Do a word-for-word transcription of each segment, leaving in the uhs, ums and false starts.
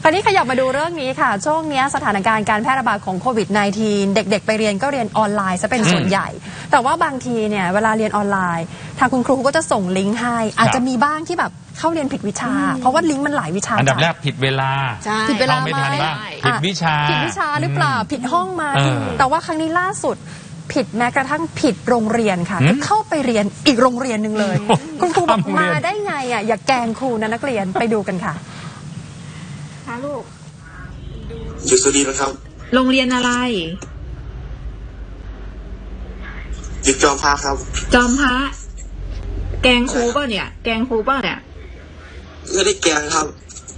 ราวนี้ขยับมาดูเรื่องนี้ค่ะช่วงนี้สถานการณ์การแพร่ระบาดของโควิด สิบเก้า เด็กๆไปเรียนก็เรียนออนไลน์ซะเป็นส่วนใหญ่แต่ว่าบางทีเนี่ยเวลาเรียนออนไลน์ทางคุณครูก็จะส่งลิงก์ให้อาจจะมีบ้างที่แบบเข้าเรียนผิดวิชาเพราะว่าลิงก์มันหลายวิชาอันดับแรกผิดเวลาผิดเวลาไหมผิดวิชาผิดวิชาหรือเปล่าผิดห้องมาแต่ว่าครั้งนี้ล่าสุดผิดแม้กระทั่งผิดโรงเรียนค่ะเข้าไปเรียนอีกโรงเรียนหนึ่งเลยคุณครูบอกมาได้ไงอ่ะอย่าแกล้งครูนะนักเรียนไปดูกันค่ะค่ะลูกอยู่สุรินทร์ครับโรงเรียนอะไรอยู่จอมพระครับจอมพระแกล้งครูป่ะเนี่ยแกล้งครูป่ะเนี่ยไม่ได้แกล้งครับ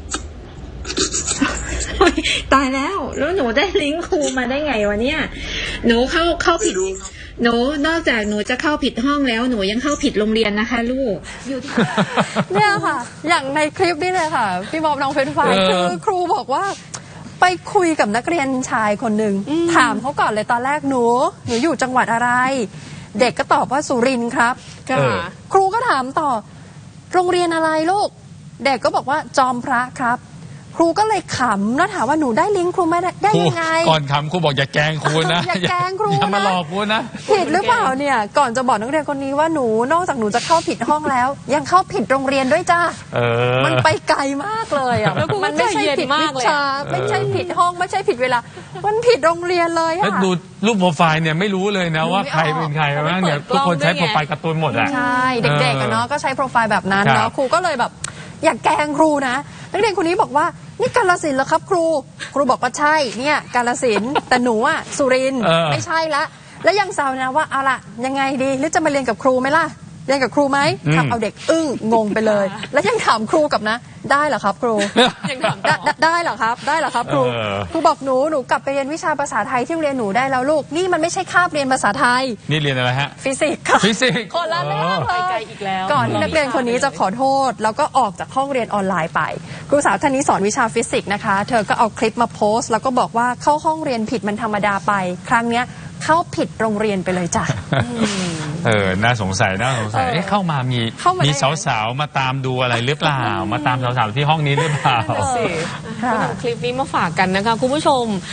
ตายแล้วแล้วหนูได้ลิงก์ครูมาได้ไงวะเนี่ยหนูเข้าเข้าผิดหนูนอกจากหนูจะเข้าผิดห้องแล้วหนูยังเข้าผิดโรงเรียนนะคะลูกอยู่ที่เนี่ยค่ะอย่างในคลิปนี้เลยค่ะพี่บอบน้องเฟรนไฟคือครูบอกว่าไปคุยกับนักเรียนชายคนหนึ่งถามเขาก่อนเลยตอนแรกหนูหนูอยู่จังหวัดอะไรเด็กก็ตอบว่าสุรินทร์ครับครูก็ถามต่อโรงเรียนอะไรลูกเด็กก็บอกว่าจอมพระครับครูก็เลยขำแล้วถามว่าหนูได้ลิงก์ครูไม่ได้ยังไงก่อนขำครูบอกอย่าแกล้งครูนะอย่าแกล้งครูนะอย่ามาหลอกครูนะผิดหรือเปล่าเนี่ยก่อนจะบอกนักเรียนคนนี้ว่าหนูนอกจากหนูจะเข้าผิดห้องแล้วยังเข้าผิดโรงเรียนด้วยจ้ามันไปไกลมากเลยอ่ะมันไม่ใช่ผิดวิชาไม่ใช่ผิดห้องไม่ใช่ผิดเวลามันผิดโรงเรียนเลยค่ะดูรูปโปรไฟล์เนี่ยไม่รู้เลยนะว่าใครเป็นใครบ้างเนี่ยทุกคนใช้โปรไฟล์การ์ตูนหมดอ่ะใช่เด็กๆเนาะก็ใช้โปรไฟล์แบบนั้นเนาะครูก็เลยแบบอยากแกล้งครูนะนักเรียนคนนี้บอกว่านี่กาฬสินธุ์เหรอครับครูครูบอกว่าใช่เนี่ยกาฬสินธุ์แต่หนูอ่ะสุรินทร์ไม่ใช่ละแล้วยังแซวนะว่าเอาล่ะยังไงดีหรือจะมาเรียนกับครูไหมล่ะเรียนกับครูไหมทำเอาเด็กอึ้งงงไปเลยแล้วยังถามครูกับนะได้เหรอครับครูยังถามได้เหรอครับได้เหรอครับครูครูบอกหนูหนูกลับไปเรียนวิชาภาษาไทยที่เรียนหนูได้แล้วลูกนี่มันไม่ใช่คาบเรียนภาษาไทยนี่เรียนอะไรฮะฟิสิกส์ค่ะฟิสิกส์คนละเรื่องเลยก่อนที่นักเรียนคนนี้จะขอโทษแล้วก็ออกจากห้องเรียนออนไลน์ไปครูสาวท่านนี้สอนวิชาฟิสิกส์นะคะเธอก็เอาคลิปมาโพสต์แล้วก็บอกว่าเข้าห้องเรียนผิดมันธรรมดาไปครั้งเนี้ยเข้าผิดโรงเรียนไปเลยจ้ะเออน่าสงสัยน่าสงสัยเข้ามามีมีสาวๆมาตามดูอะไรหรือเปล่ามาตามสาวๆที่ห้องนี้หรือเปล่าเอาคลิปนี้มาฝากกันนะคะคุณผู้ชม